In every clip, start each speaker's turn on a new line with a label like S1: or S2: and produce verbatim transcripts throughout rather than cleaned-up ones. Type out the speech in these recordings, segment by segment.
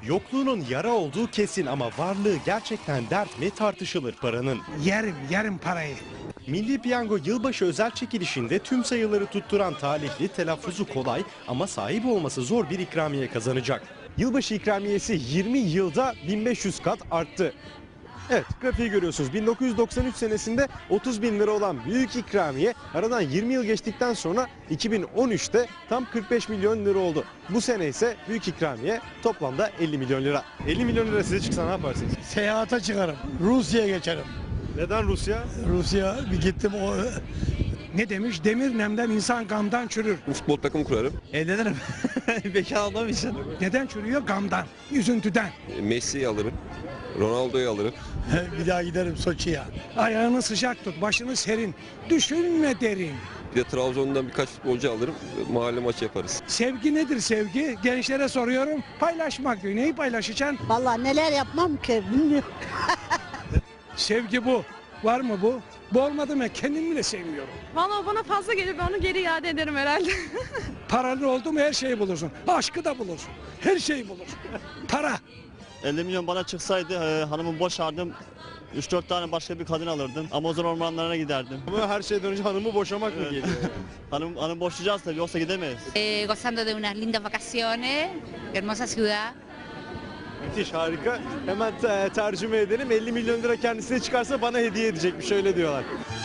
S1: Yokluğunun yara olduğu kesin ama varlığı gerçekten dert mi tartışılır paranın.
S2: Yerim, yerim parayı.
S1: Milli Piyango yılbaşı özel çekilişinde tüm sayıları tutturan talihli telaffuzu kolay ama sahibi olması zor bir ikramiye kazanacak. Yılbaşı ikramiyesi yirmi yılda bin beş yüz kat arttı. Evet, grafiği görüyorsunuz. bin dokuz yüz doksan üç senesinde otuz bin lira olan büyük ikramiye aradan yirmi yıl geçtikten sonra iki bin on üçte tam kırk beş milyon lira oldu. Bu sene ise büyük ikramiye toplamda elli milyon lira. elli milyon lira size çıksa ne yaparsınız?
S2: Seyahate çıkarım. Rusya'ya geçerim.
S1: Neden Rusya?
S2: Rusya bir gittim o ne demiş? Demir nemden insan gamdan çürür.
S3: Futbol takımı kurarım.
S4: Evlenirim. Bekar olmam için.
S2: Neden çürüyor? Gamdan, üzüntüden.
S3: Messi'yi alırım. Ronaldo'yu alırım.
S2: Bir daha giderim Soçi'ye. Ayağını sıcak tut, başını serin. Düşünme derin.
S3: Bir de Trabzon'dan birkaç futbolcu alırım. Mahalle maçı yaparız.
S2: Sevgi nedir sevgi? Gençlere soruyorum. Paylaşmak diyor. Neyi paylaşacaksın?
S5: Vallahi neler yapmam ki bilmiyorum.
S2: Sevgi bu. Var mı bu? Bu olmadı mı kendimi bile sevmiyorum.
S6: Vallahi bana fazla gelir, ben onu geri iade ederim herhalde.
S2: Paranın oldu mu her şeyi bulursun. Aşkı da bulursun. Her şeyi bulursun. Para.
S7: elli milyon bana çıksaydı e, hanımı boşardım. üç dört tane başka bir kadın alırdım. Amazon ormanlarına giderdim.
S1: Ama her şeyden önce hanımı boşamak mı
S7: Evet.
S1: geliyor?
S7: Hanım, hanım boşayacağız tabii, yoksa gidemeyiz.
S8: Eh, gozando de unas lindas vacaciones, hermosa ciudad.
S1: Müthiş, harika. Hemen te- tercüme edelim. elli milyon lira kendisine çıkarsa bana hediye edecekmiş, öyle diyorlar.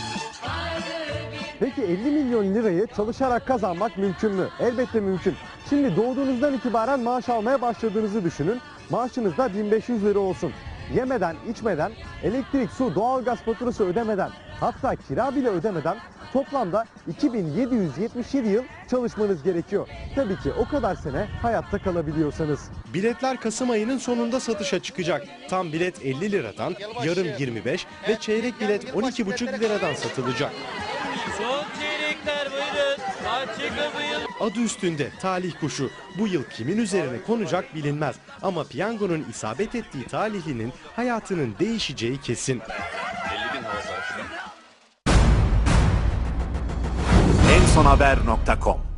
S1: Peki elli milyon lirayı çalışarak kazanmak mümkün mü? Elbette mümkün. Şimdi doğduğunuzdan itibaren maaş almaya başladığınızı düşünün. Maaşınız da bin beş yüz lira olsun. Yemeden, içmeden, elektrik, su, doğalgaz faturası ödemeden, hatta kira bile ödemeden toplamda iki bin yedi yüz yetmiş yedi yıl çalışmanız gerekiyor. Tabii ki o kadar sene hayatta kalabiliyorsanız. Biletler Kasım ayının sonunda satışa çıkacak. Tam bilet elli liradan, yarım yirmi beş ve çeyrek bilet on iki buçuk liradan satılacak.
S9: Son çeyrekler buyurun. Açık buyurun.
S1: Adı üstünde talih kuşu. Bu yıl kimin üzerine konacak bilinmez. Ama piyangonun isabet ettiği talihlinin hayatının değişeceği kesin.
S10: en son haber nokta com